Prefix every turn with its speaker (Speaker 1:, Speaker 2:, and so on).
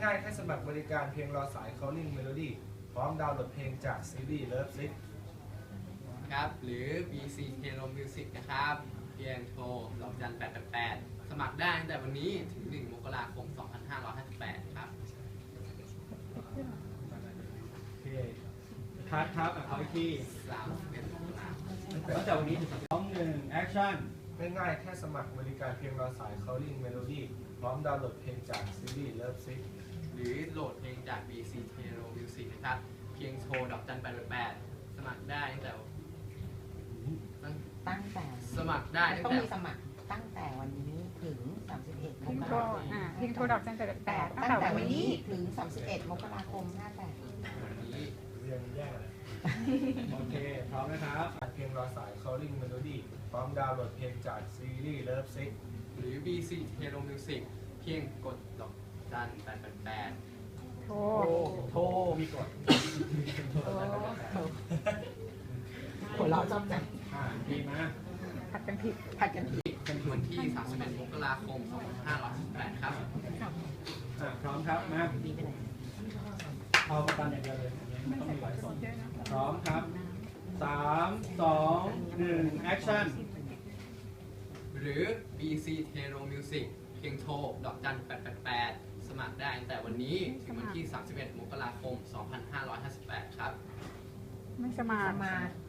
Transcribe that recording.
Speaker 1: ง่ายๆแค่สมัครบริการเพียงรอสาย Calling Melody พร้อมดาวน์โหลดเพลงจากซีรีส์ Love Sick
Speaker 2: ครับหรือ BC Hero Music นะครับเพียงโทรดอกจัน888สมัครได้ตั้งแต่วันนี้ถึง1มกราคม2558ครับ
Speaker 3: โอเคคัดครับเอาอีกที
Speaker 2: 31มกราคม
Speaker 3: ตั้งแต่วันนี้ถึง2-1 แอคชั่น
Speaker 1: ง่ายๆแค่สมัครบริการเพียงรอสาย Calling Melody พร้อมดาวน์โหลดเพลงจากซีรีส์ Love Sick
Speaker 2: หรือโหลดเพลงจาก BC Hero Music นะครับเพียงโทรดอกจัน888สมัครได้ตั้งแต่
Speaker 4: ตั้งแต่
Speaker 2: สมัครได้ตั้
Speaker 4: ต้อง
Speaker 2: งแต่
Speaker 4: มีสมัครตั้งแต่วันนี้ถึง 31 ม
Speaker 5: พิง
Speaker 4: ก
Speaker 5: โทร
Speaker 4: ราคม
Speaker 5: พิงโทรดอกจัน888ตั้ง
Speaker 4: ตั้ง
Speaker 5: แต่
Speaker 4: แต่
Speaker 5: วั
Speaker 4: วัน น
Speaker 5: นี้
Speaker 4: นี้ถึง 31 มกราคม 58
Speaker 2: วันนี้
Speaker 1: เรียนแย่เลย
Speaker 3: โอเคพร้อมนะครับ
Speaker 1: เพียงรอสาย Calling Melody พร้อมดาวน์โหลดเพลงจากซีรีส์ Love Sick
Speaker 2: หรือ BC Hero Music เพียงกดดอกจัน888
Speaker 5: โทร
Speaker 3: โทรมีกด
Speaker 4: หัวเราะชอบจัง
Speaker 3: ดีมา
Speaker 5: ผัดกันผิด
Speaker 4: ผัดกันผิด
Speaker 2: วันที่ 31 มกราคม 2558ครับ
Speaker 3: พร้อมครับมา
Speaker 4: ดีไปไหน
Speaker 3: เอาประกันอย่างเดียวเลยไม่
Speaker 5: ไม่
Speaker 3: ต้อง
Speaker 5: ใส่
Speaker 3: มีหลาย
Speaker 5: ผ
Speaker 3: ส
Speaker 5: ง
Speaker 3: น
Speaker 5: เยอะนะ
Speaker 3: พร้อมครับ3-2-1 แอคชั่น
Speaker 2: หรือ BC Hero Music เพียงโทรดอกจัน888สมัครได้ตั้งแต่วันนี้ถึงวันที่ 31 มกราคม 2558 ครับ
Speaker 5: ไม่สมัคร
Speaker 4: มา